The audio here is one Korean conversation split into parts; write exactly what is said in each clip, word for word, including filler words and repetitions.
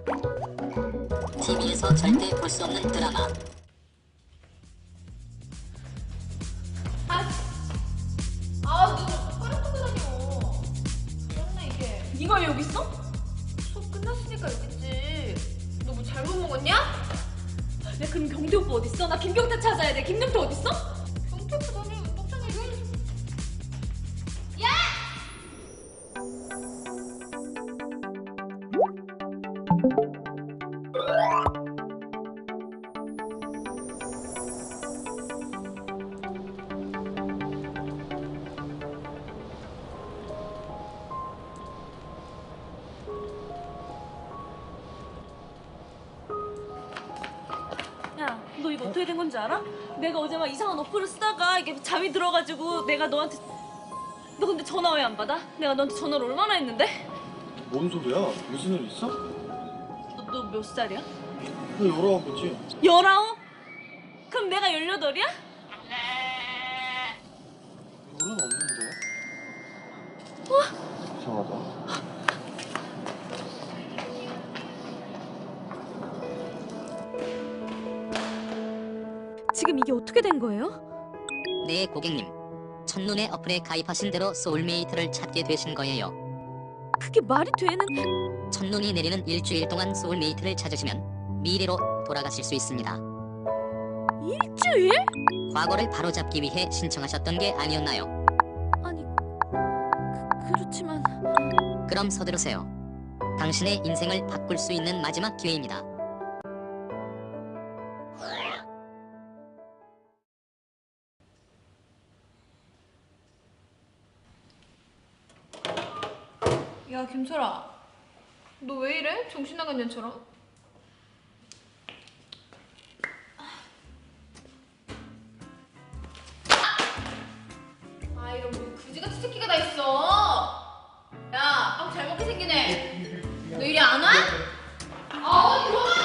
티비에서 절대 볼 수 없는 드라마. 아, 아, 너 숟가락 들고 다녀. 그렇네 이게. 네가 왜 여기 있어? 수업 끝났으니까 여기 있지. 너 뭐 잘못 먹었냐? 야 그럼 경태 오빠 어딨어? 나 김경태 찾아야 돼. 김경태 어딨어? 경태 오빠 다니면 똑장이 왜? 야! 야, 너 이거 어떻게 된 건지 알아? 내가 어제 막 이상한 어플을 쓰다가 이게 잠이 들어가지고 내가 너한테 너 근데 전화 왜 안 받아? 내가 너한테 전화를 얼마나 했는데? 뭔 소리야? 무슨 일 있어? 너 너 몇 살이야? 나 열아홉이지. 열아홉? 그럼 내가 열여덟이야? 열은 없는데. 어? 이상하다. 지금 이게 어떻게 된 거예요? 네, 고객님. 첫눈에 어플에 가입하신 대로 소울메이트를 찾게 되신 거예요. 그게 말이 되는... 첫눈이 내리는 일주일 동안 소울메이트를 찾으시면 미래로 돌아가실 수 있습니다. 일주일? 과거를 바로잡기 위해 신청하셨던 게 아니었나요? 아니... 그, 그렇지만... 그럼 서두르세요. 당신의 인생을 바꿀 수 있는 마지막 기회입니다. 야 김철아, 너 왜 이래? 정신 나간 년처럼? 아 이런 뭐 그지같이 새끼가 다 있어. 야, 빵 잘 먹게 생기네. 너 이리 안 와? 아 어디 와?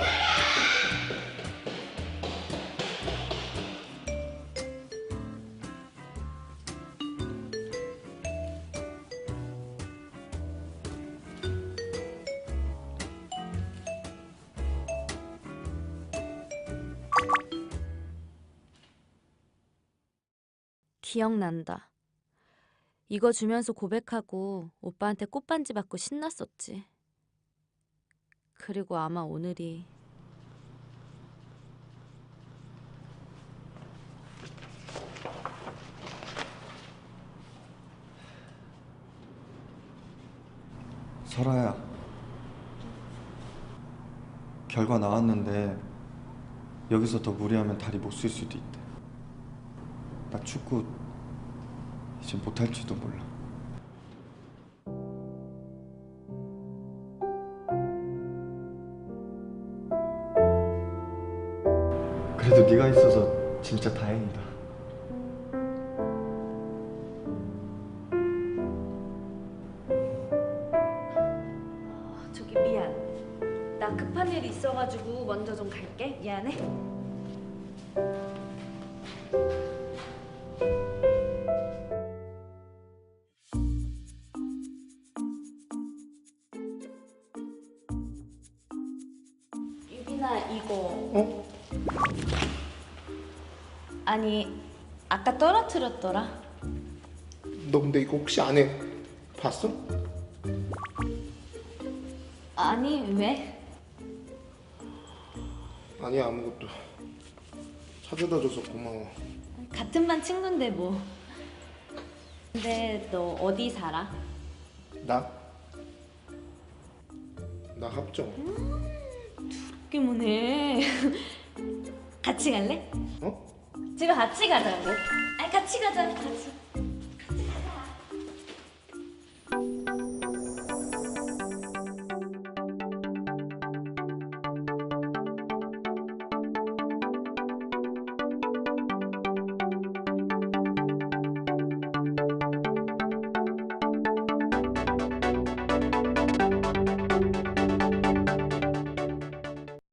기억난다. 이거 주면서 고백하고 오빠한테 꽃반지 받고 신났었지. 그리고 아마 오늘이... 설아야. 결과 나왔는데 여기서 더 무리하면 다리 못 쓸 수도 있대. 나 축구 이제 못할지도 몰라. 그래도 네가 있어서 진짜 다행이다. 어, 저기 미안. 나 급한 일이 있어가지고 먼저 좀 갈게. 미안해. 유빈아 이거... 어? 아니 아까 떨어뜨렸더라. 너 근데 이거 혹시 안에 봤어? 아니 왜? 아니야 아무것도. 찾아다 줘서 고마워. 같은 반 친구인데 뭐. 근데 너 어디 살아? 나? 나 합정. 그게 뭐네. 같이 갈래? 어? 집에 같이 가자고. 아니 같이 가자. 같이.